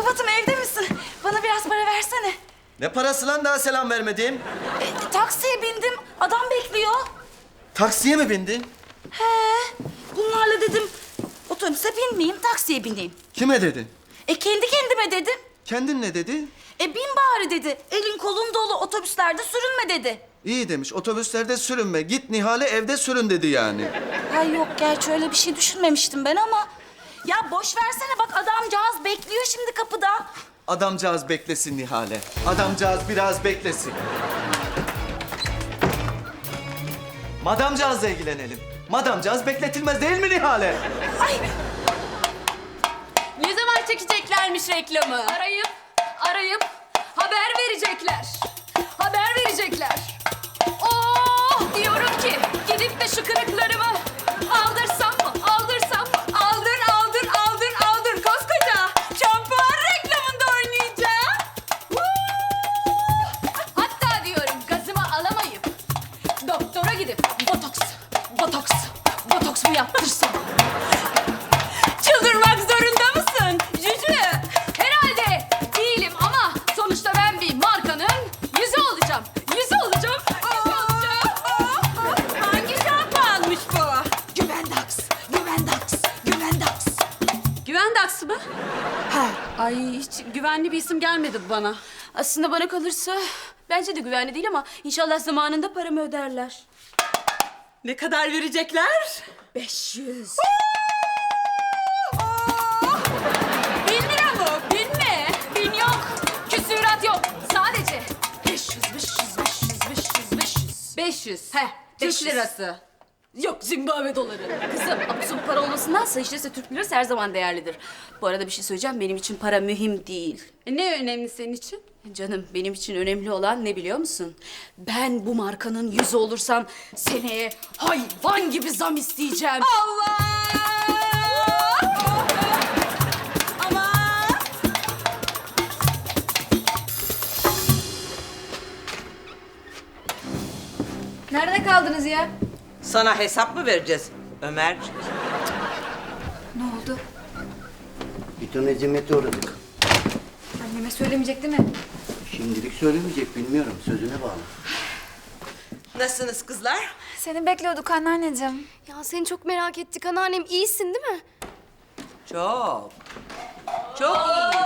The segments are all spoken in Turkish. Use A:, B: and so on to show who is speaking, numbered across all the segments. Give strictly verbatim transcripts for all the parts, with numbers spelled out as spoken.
A: Kubat'ım evde misin? Bana biraz para versene.
B: Ne parası lan, daha selam vermedim.
A: E, taksiye bindim. Adam bekliyor.
B: Taksiye mi bindin?
A: He. Bunlarla dedim otobüse binmeyeyim, taksiye bineyim.
B: Kime dedin?
A: E kendi kendime dedim.
B: Kendin ne dedi?
A: E bin bari dedi. Elin kolun dolu, otobüslerde sürünme dedi.
B: İyi demiş, otobüslerde sürünme. Git Nihal'e evde sürün dedi yani.
A: Ay yok, gerçi öyle bir şey düşünmemiştim ben ama... Ya boş versene, bak adamcağız bekliyor şimdi kapıda.
B: Adamcağız beklesin Nihal'e. Adamcağız biraz beklesin. Madamcağızla ilgilenelim. Madamcağız bekletilmez değil mi Nihal'e?
A: Ay
C: Ne zaman çekeceklermiş reklamı? Arayıp, arayıp haber verecekler. Haber verecekler. Oh diyorum ki gidip de şu kırıklarımı aldırsam mı? Aldırsam mı? Aldır, aldır, aldır, aldır. Koskoca şampuan reklamında oynayacağım. Woo! Hatta diyorum gazımı alamayıp doktora gidip botoks, botoks, botoks mu yaptırsam? Çıldırmak zorunda mısın Cücü? Herhalde değilim ama sonuçta ben bir markanın yüzü olacağım. Yüzü olacağım. Yüzü olacağım. Hangi şampuanmış bu? Güvendax, Güvendax, Güvendax. Güvendax mı?
A: ha.
C: Ay hiç güvenli bir isim gelmedi bana. Aslında bana kalırsa bence de güvenli değil ama inşallah zamanında paramı öderler. Ne kadar verecekler?
A: Beş yüz.
C: Bin lira mı? Bin mi? Bin yok. Küsürat yok. Sadece beş yüz, beş yüz, beş yüz, beş yüz, beş yüz. Beş yüz. He, Türk
A: beş yüz.
C: lirası. Yok, Zimbabwe doları. Kızım, absürt para olmasındansa işte Türk lirası her zaman değerlidir. Bu arada bir şey söyleyeceğim, benim için para mühim değil.
A: E, ne önemli senin için?
C: Canım, benim için önemli olan ne biliyor musun? Ben bu markanın yüzü olursam seneye hayvan gibi zam isteyeceğim.
A: Allah! Ama nerede kaldınız ya?
D: Sana hesap mı vereceğiz Ömer?
A: Ne oldu?
E: Bir ton eziyete uğradık.
A: Anneme söylemeyecek değil mi?
E: Şimdilik söylemeyecek, bilmiyorum. Sözüne bağlı.
D: Nasılsınız kızlar?
F: Seni bekliyorduk anneanneciğim.
G: Ya seni çok merak ettik anneannem. İyisin değil mi?
D: Çok. Çok iyi.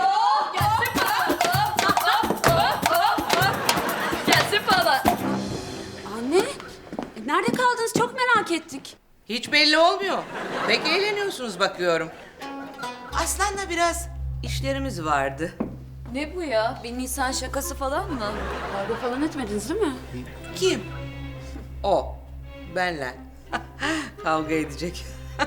C: Gelsin baba. Anne, e, nerede kaldınız? Çok merak ettik.
D: Hiç belli olmuyor. Pek eğleniyorsunuz bakıyorum. Aslan'la biraz işlerimiz vardı.
C: Ne bu ya? Bir Nisan şakası falan mı? Kavga falan etmediniz değil mi?
D: Kim? O. Benle. Kavga edecek.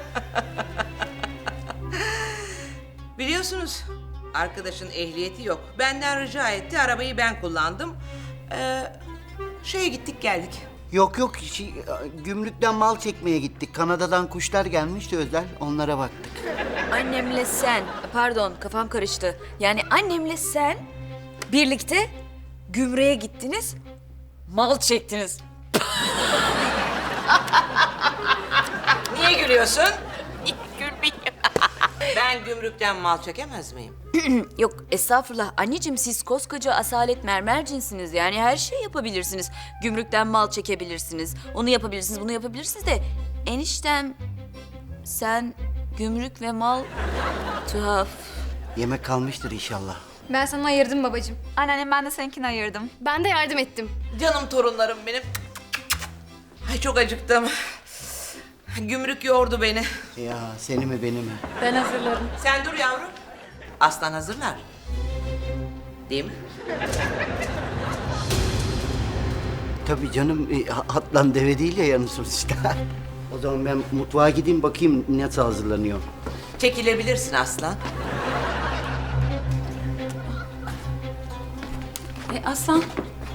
D: Biliyorsunuz arkadaşın ehliyeti yok. Benden rica etti. Arabayı ben kullandım. Ee, şeye gittik geldik.
E: Yok yok, şey, gümrükten mal çekmeye gittik. Kanada'dan kuşlar gelmişti özel, onlara baktık.
H: Annemle sen, pardon kafam karıştı. Yani annemle sen birlikte gümrüğe gittiniz, mal çektiniz.
D: Niye gülüyorsun? Ben gümrükten mal çekemez miyim?
H: Yok estağfurullah anneciğim, siz koskoca asalet mermer cinsiniz. Yani her şey yapabilirsiniz. Gümrükten mal çekebilirsiniz, onu yapabilirsiniz, bunu yapabilirsiniz de... Eniştem, sen gümrük ve mal tuhaf.
E: Yemek kalmıştır inşallah.
F: Ben sana ayırdım babacığım.
G: Anneannem ben de seninkini ayırdım. Ben de yardım ettim.
D: Canım torunlarım benim. Ay çok acıktım. Gümrük yordu beni.
E: Ya seni mi beni mi?
C: Ben hazırlarım.
D: Sen dur yavrum. Aslan hazırlar. Değil mi?
E: Tabii canım, e, atlan deve değil ya yanı sonuçta. O zaman ben mutfağa gideyim, bakayım nasıl hazırlanıyor.
D: Çekilebilirsin aslan.
C: E Aslan,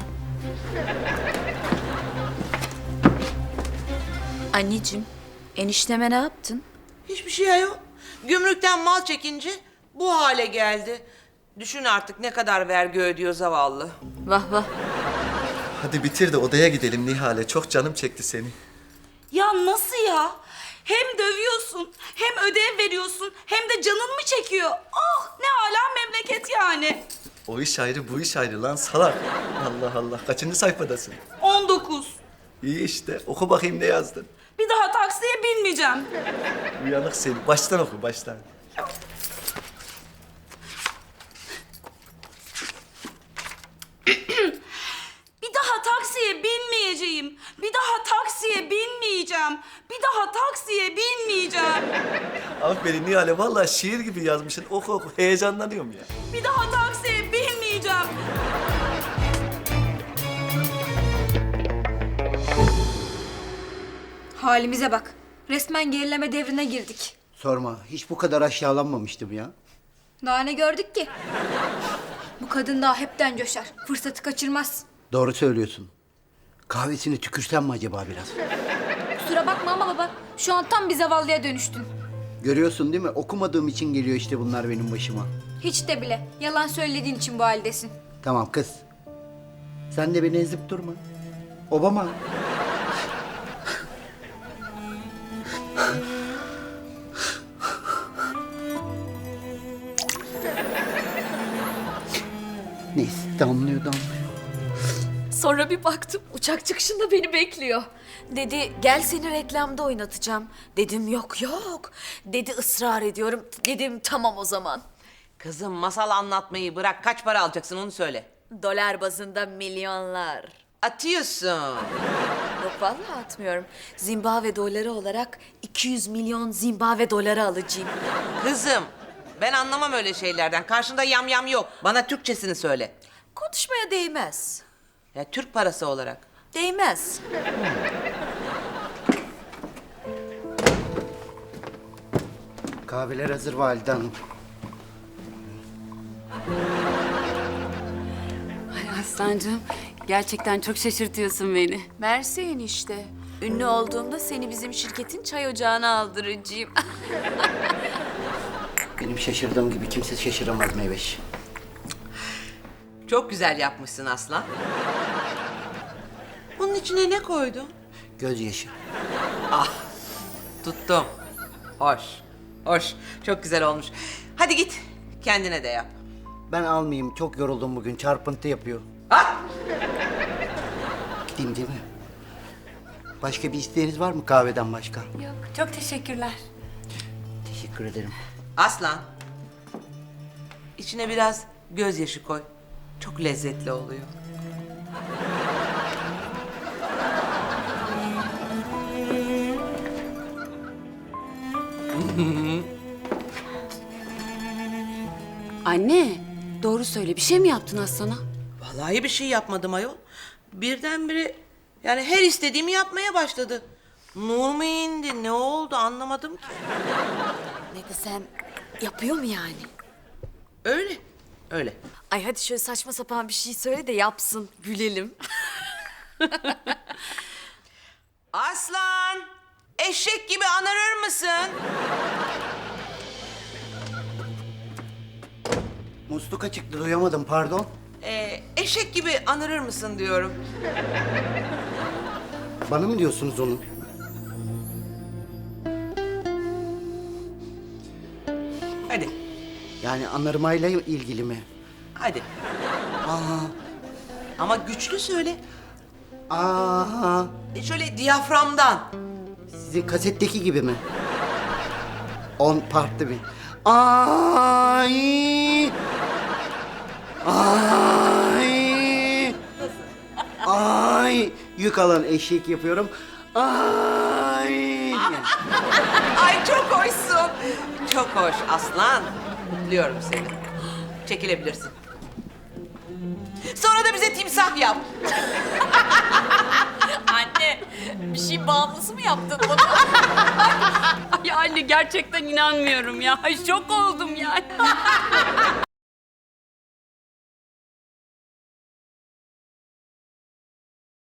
H: Anneciğim, enişteme ne yaptın?
D: Hiçbir şey ayol. Gümrükten mal çekince bu hale geldi. Düşün artık ne kadar vergi ödüyor zavallı.
H: Vah vah.
B: Hadi bitir de odaya gidelim Nihal'e. Çok canım çekti seni.
A: Ya nasıl ya? Hem dövüyorsun, hem ödev veriyorsun, hem de canın mı çekiyor? Ah ne ala memleket. Net yani.
B: O iş ayrı, bu iş ayrı lan salak. Allah Allah, kaçıncı sayfadasın?
A: on dokuz.
B: İyi işte, oku bakayım ne yazdın.
A: Bir daha taksiye binmeyeceğim.
B: Uyanık seni. Baştan oku, baştan.
A: Bir daha taksiye binmeyeceğim. Bir daha taksiye binmeyeceğim. Bir daha taksiye binmeyeceğim.
B: Aferin Nihal'e, vallahi şiir gibi yazmışsın. Oku oku, heyecanlanıyorum ya.
A: Bir daha taksiye binmeyeceğim.
F: Halimize bak. Resmen gerileme devrine girdik.
E: Sorma, hiç bu kadar aşağılanmamıştım ya.
F: Daha ne gördük ki? Bu kadın daha hepten coşar. Fırsatı kaçırmaz.
E: Doğru söylüyorsun. Kahvesini tükürsem mi acaba biraz?
F: Kusura bakma ama baba. Şu an tam bir zavallıya dönüştün.
E: Görüyorsun değil mi? Okumadığım için geliyor işte bunlar benim başıma.
F: Hiç de bile. Yalan söylediğin için bu haldesin.
E: Tamam kız. Sen de beni ezip durma. Obama. Neyse damlıyor damlıyor.
H: Sonra bir baktım uçak çıkışında beni bekliyor. Dedi gel seni reklamda oynatacağım. Dedim yok yok. Dedi ısrar ediyorum. Dedim tamam o zaman.
D: Kızım masal anlatmayı bırak. Kaç para alacaksın onu söyle.
H: Dolar bazında milyonlar.
D: Atıyorsun.
H: Yok vallahi atmıyorum. Zimbabwe doları olarak iki yüz milyon Zimbabwe doları alacağım.
D: Kızım ben anlamam öyle şeylerden. Karşında yam yam yok. Bana Türkçesini söyle.
H: Konuşmaya değmez.
D: Ya Türk parası olarak.
H: Değmez.
E: Kahveler hazır Valide Hanım.
I: Ay Aslancığım, gerçekten çok şaşırtıyorsun beni.
H: Mersi enişte. Ünlü olduğumda seni bizim şirketin çay ocağına aldıracağım.
E: Benim şaşırdığım gibi kimse şaşıramaz Meyveş.
D: Çok güzel yapmışsın Aslan. Bunun içine ne koydun?
E: Gözyaşı.
D: Tuttum. Hoş. Hoş. Çok güzel olmuş. Hadi git. Kendine de yap.
E: Ben almayayım. Çok yoruldum bugün. Çarpıntı yapıyor.
D: Ah!
E: Gideyim değil mi? Başka bir isteğiniz var mı kahveden başka?
I: Yok, çok teşekkürler.
E: Teşekkür ederim.
D: Aslan. İçine biraz gözyaşı koy. Çok lezzetli oluyor.
I: Anne, doğru söyle. Bir şey mi yaptın Aslan'a?
D: Vallahi bir şey yapmadım ayol. Birdenbire yani her istediğimi yapmaya başladı. Nur mu indi ne oldu anlamadım ki.
H: Ne desem yapıyor mu yani?
D: Öyle. Öyle.
H: Ay hadi şöyle saçma sapan bir şey söyle de yapsın. Gülelim.
D: Aslan. Eşek gibi anırır mısın?
E: Musluk çıktı duyamadım pardon.
D: Ee, eşek gibi anırır mısın diyorum.
E: Bana mı diyorsunuz onu?
D: Hadi.
E: Yani anırmayla ilgili mi?
D: Hadi. Ama güçlü söyle.
E: Aa,
D: E, Şöyle diyaframdan.
E: sizin kasetteki gibi mi? On partlı mi? Ay! Ay! Ay! Yük alan eşek yapıyorum. Ay!
D: Ay çok hoşsun. Çok hoş aslan. Kutluyorum seni. Çekilebilirsin. Sonra da bize timsah yap.
H: Anne bir şey bağımlısı mı yaptın bana?
I: Ay anne gerçekten inanmıyorum ya. Ay şok oldum yani.